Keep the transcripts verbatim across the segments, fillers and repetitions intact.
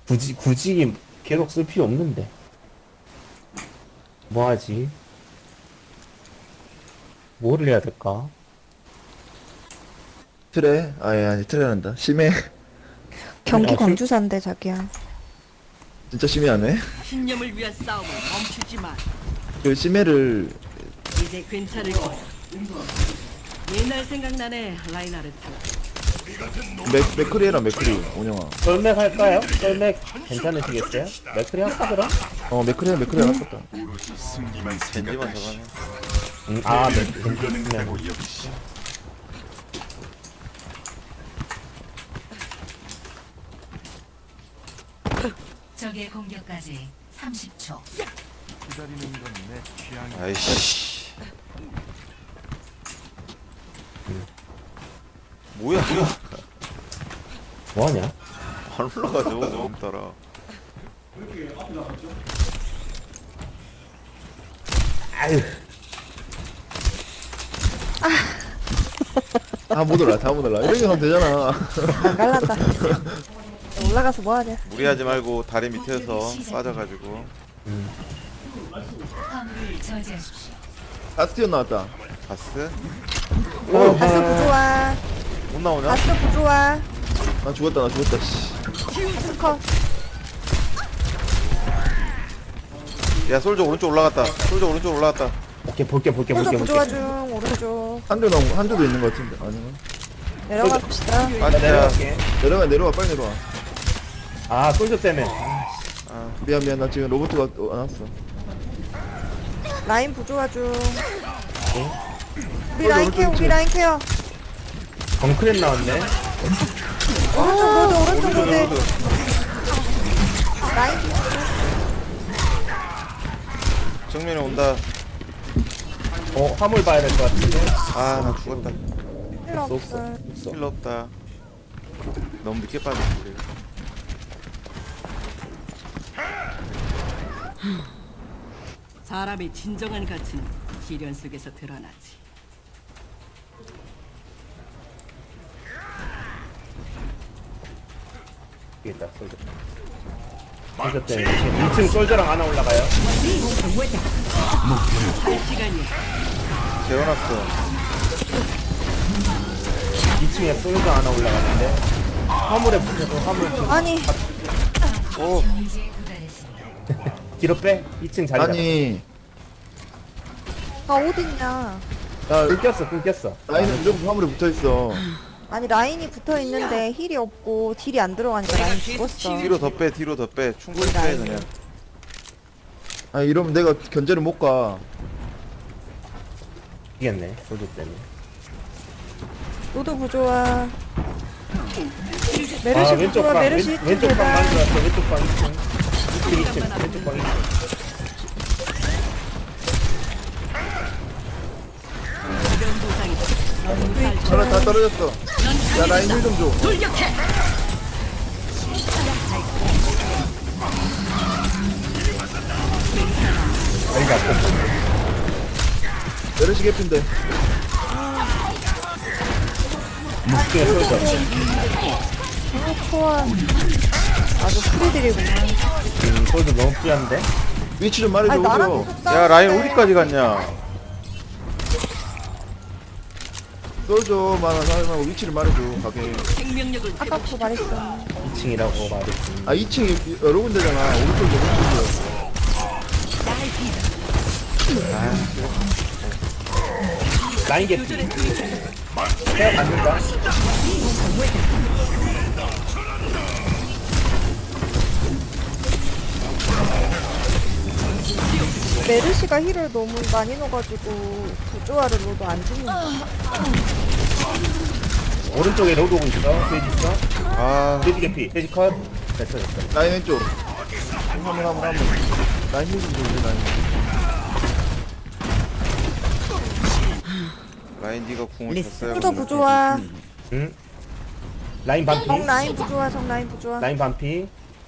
굳이 굳이 계속 쓸 필요 없는데. 뭐 하지? 뭐를 해야 될까? 트레? 아예 아니 트레란다. 심해. 경기 아, 그- 광주사인데 자기야. 진짜 심해하네. 신념을 위한 싸움을 멈추지 마. 그 심해를 이제 괜찮을 거야. 옛날 생각나네, 라인하르트. 맥 맥크리해라 맥크리 온영아. 썰맥 할까요? 썰맥 괜찮으시겠어요? 맥크리 할까 그럼? 어 맥크리야 맥크리 안 아깝다. 겐지만 잡아내. 음, 아, 맥 괜찮으면 적의 공격까지 삼십 초. 아이씨. 뭐야 뭐야. 뭐하냐? 안 올라가죠. 너무 따라. 아유, 다 못 올라 다 못 올라. 이렇게 하면 되잖아. 안 갈란다. 올라가서 뭐 하냐? 무리하지 말고 다리 밑에서 빠져가지고. 화물을 저지하십시오. 아스티온 나왔다. 바스? 어, 바스 부조화. 못 나오냐? 바스 부조화. 나 죽었다 나 죽었다. 씨. 바스 컷. 야 솔저 오른쪽 올라갔다. 솔저 오른쪽 올라갔다. 오케이 볼게 볼게 호저 볼게 부조화 볼게. 중 오른쪽. 한조 나온 한조도 있는 것 같은데 아니면 내려가 봅시다. 나 빠지자. 내려갈게. 내려가 내려와 빨리 내려와. 아, 솔저 때문에. 미안 미안 나 지금 로봇가 또 안 왔어. 라인 부조화 중. 우리 호저 라인 오른쪽 케어, 우리 있지? 라인 케어. 정크렛 나왔네. 오른쪽 로드, 오른쪽 오른쪽 로드. 로드. 라인 정면에 온다. 어, 화물 봐야 될 것 같은데. 아 나 죽었다. 필요 없어, 없어. 없어. 필요 없다. 너무 늦게 빠졌지. 사람의 진정한 가치는 시련 속에서 드러나지. 있다, 솔저. 솔저 때문에. 지금 이 층 솔저랑 하나 올라가요. 할 시간이야. 재워놨어. 이 층에 솔저 하나 올라가는데. 화물에 붙여서 화물 좀 아니, 오. 이제 구달했습니다. 뒤로 빼. 이 층 자리 잡아. 아니 아 어딨냐? 야 끊겼어, 끊겼어. 라인은 무조건 화물에 붙어 있어. 아니 라인이 붙어 있는데 힐이 없고 딜이 안 들어가니까 라인 죽었어. 뒤로 더 빼. 뒤로 더 빼. 충분히 빼 그냥. 아 이러면 내가 견제를 못 가. 이겼네, 솔저 때문에. 로드 부조화. 아, 메르시 왼쪽 부조화, 방, 메르시 왼, 이쪽 왼쪽 방 계단. 만들었어, 왼쪽 방 이 층. 이 층, 이 층, 왼쪽 방 이 층. 이런 보상이 너무 살 전화 다 떨어졌어. 야 라인 힐 좀 줘. 돌격해. 자리가 없고. 메르시 개핀데. 묵중에 솔저. 아, 초월. 아주 프리딜이구나. 음, 솔저 너무 뿌얀데? 위치 좀 말해줘. 아니 나랑 오죠. 계속 야 라인 싸우는데. 어디까지 갔냐? 쏠줘만 하고 위치를 말해줘 가게. 생명력을 아까도 말했어. 이 층이라고 말했지. 아 이 층이 여러 군데잖아. 오른쪽 오른쪽이요. 라인 개피. 헤어 받는다. 메르시가 힐을 너무 많이 넣어가지고 부조화를 넣어도 안 죽는다. 오른쪽에 로드 오고 있어. 돼지 있어. 아 돼지 개피. 돼지 컷. 됐어, 됐어. 라인 왼쪽. 한번 한번 한번. 라인 힐좀 줘. 라인. 라인 니가 궁을 쳤어야 로드 부조화. 응? 라인 반피. 정 라인 부조화, 정 라인 부조화. 라인 반피.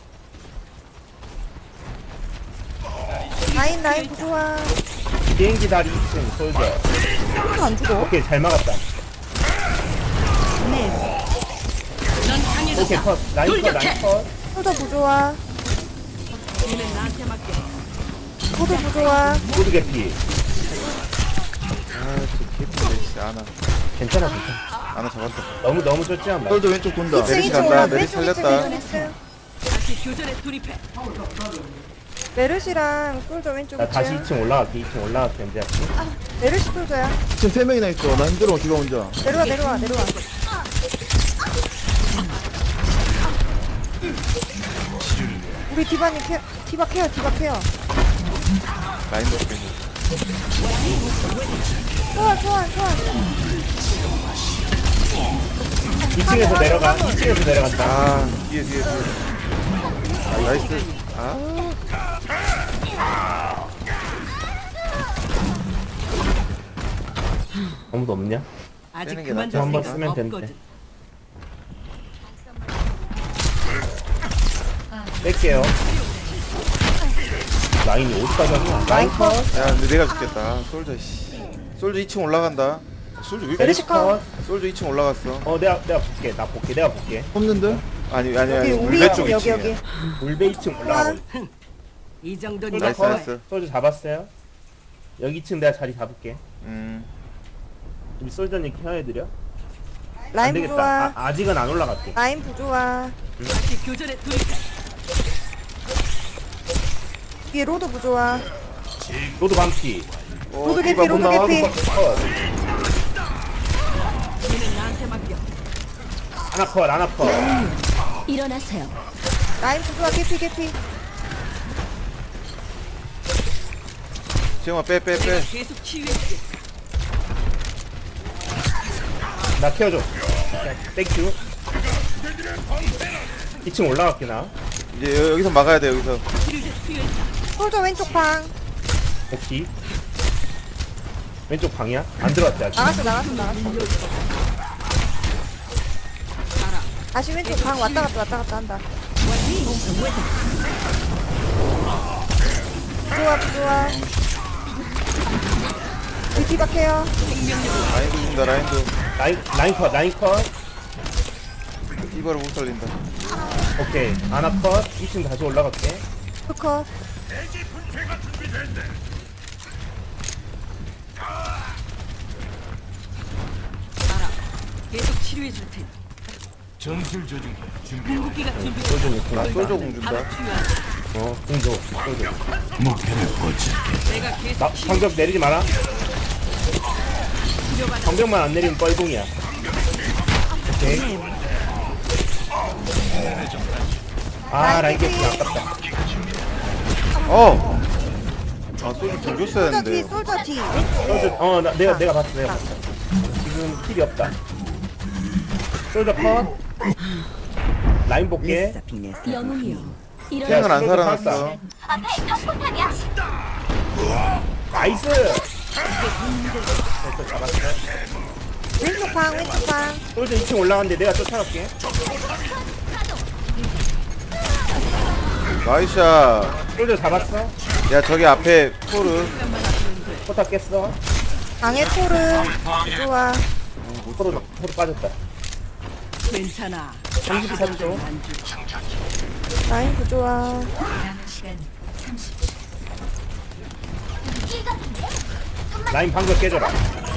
라인 라인 부조화. 비행기 다리 이 층 솔저. 안 죽어. 오케이, 잘 막았다. 넌 강해졌다. 오케이, 컷. 라인 컷, 라인 컷. 솔저 부조화. 니는 나한테 맡겨. 소도 부조화. 소드 개피. 아저 개핀데 씨 아나 괜찮아 괜찮아. 아나 잡았다. 너무 너무 쫓지만 마. 솔저 왼쪽 돈다. 메리시 이층 간다. 올라. 메리시 왼쪽 살렸다. 이층 이층. 다시 교전에 돌입해. 메르시랑 솔저 왼쪽 나 다시 이층. 이 층 올라갈게. 이 층 올라갈게 이제. 메르시 솔저야. 지금 세 명이나 있어. 나 힘들어 기가 혼자. 내려와 내려와 내려와. 우리 디바님 케어, 디바 케어 디바 케어. 라인 먹고 있는. 좋아 좋아 좋아. 이 층에서 내려가. 이 층에서 내려간다. 아 뒤에 뒤에 뒤에. 아 나이스. 아 아무도 없냐? 아직 빼는 게 그만 낫지 둘 않을까? 생각 쓰면 되는데. 없거든. 뺄게요. 라인이 어디까지 하냐? 라인 컷. 야 근데 내가 죽겠다. 아, 솔저 씨. 솔저 이 층 올라간다. 솔저 왜 이렇게 메르시 컷. 솔저 이 층 올라갔어. 어 내가 내가 볼게. 나 볼게. 내가 볼게. 없는데? 아니 아니 여기 아니 우리 물배 쪽 쪽 여기 이 여기. 층이야. 물배 이 층 올라가고. 이 정도는 솔저 나이스, 컷. 나이스. 솔저 잡았어요. 여기 이 층 내가 자리 잡을게. 음. 우리 솔저님 케어해드려. 안 라인 되겠다. 부조화. 아, 아직은 안 올라갈게. 라인 부조화. 다시 교전에 돌입해. 뒤에 로드 부조화. 로드 반피. 어, 로드 개피, 디바 못 로드 나와. 개피. 컷. 니는 나한테 맡겨. 하나 컷. 하나 컷. 일어나세요. 라인 부조화 개피 개피. 지영아 빼 빼 빼. 계속 치유해주게. 나 케어줘. 땡큐. 이 층 올라갈게 나. 이제 여- 여기서 막아야 돼 여기서. 치료제 투여했다. 솔저 왼쪽 방. 오케이. 왼쪽 방이야? 안 들어왔지 아직. 나갔어 나갔어 나갔어. 알아. 다시 왼쪽 방 왔다 갔다 왔다 갔다 한다. 부조화 부조화. 우리 디바 케어. 라인도 준다 라인도. 라인 라인 컷. 라인 컷. 이거를 못 살린다. 오케이. 하나 컷. 이 층 다시 올라갈게. 투커. 알아. 계속 치료해줄 테니. 궁극기가 준비. 솔저님 나 공. 솔저 공 준다. 바로 치유하자. 어, 공조. 솔저. 내가 계속 나 치유. 방벽 내리지 마라. 방벽만 안 내리면 뻘공이야. 오케이. 아 라인 개피 아깝다. 어. 아 솔저 공 줬어야 솔저 뒤 했는데. 솔저 뒤. 솔저 어나 내가 내가 봤어 내가 봤어. 지금 킬이 없다. 솔저 컷. 라인 볼게. 영웅이요. 탱은 안 솔저 살아났어. 나이스. 됐어 잡았어. 왼쪽 방 왼쪽 방. 솔저 이 층 올라갔는데 내가 쫓아갈게. 나이샤. 솔저 잡았어. 야 저기 앞에 토르. 포탑 깼어. 방에 토르. 부조화. 포로 포로 빠졌다. 괜찮아. 삼십삼 초. 안 주. 라인 부조화. 남은 시간 삼십 초. 라인 방벽 깨져라.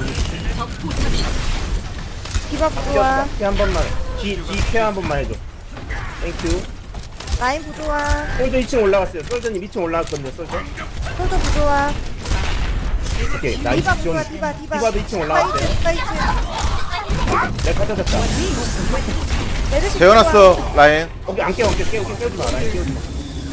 디바 부조화. 피한 번만. 뒤뒤 케어 한 번만 해줘. 땡큐. 라인 부조화. 솔저 이 층 올라갔어요. 솔저님 이 층 올라갈 건데 솔저. 솔저 부조화. 오케이 나이스 디바 존. 부조화 디바 디바. 디바도 이 층 올라갔어요. 디바 이 층. 내가 찾아졌다. 메르시 재워놨어 라인. 오케이 안 깨워, 안 깨워, 깨워, 깨우지 마. 라인 깨우지 마.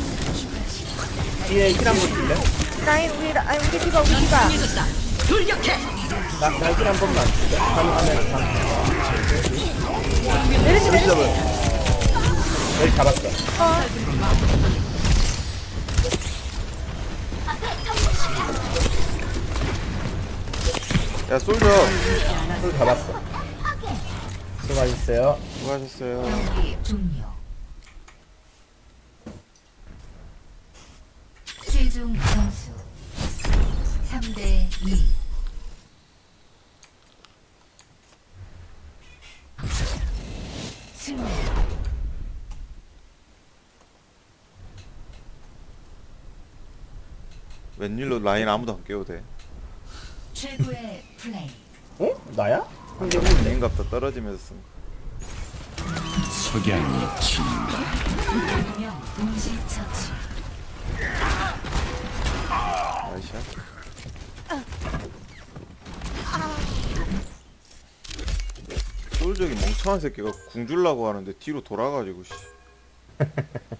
뒤에 힐 한번 줄래? 부조화. 라인 우리 라- 아니 우리 디바 우리 디바. 강해졌다. 돌격해. 나, 나힐한 번만. 가능하면 가. 메르시 메르시. 여기 잡았어. 어. 야 솔저. 솔 잡았어. 수고하셨어요. 수고하셨어요. 경기 종료. 최종 점수 삼 대 이. 승리. 웬일로 라인 아무도 안 깨워도 돼. 최고의 플레이. 어? 나야? 한개 후인데. 라인값도 떨어지면서 쓴 거. 운명 동시 처치. 나이샤. 솔저기 멍청한 새끼가 궁 줄라고 하는데 뒤로 돌아가지고 씨.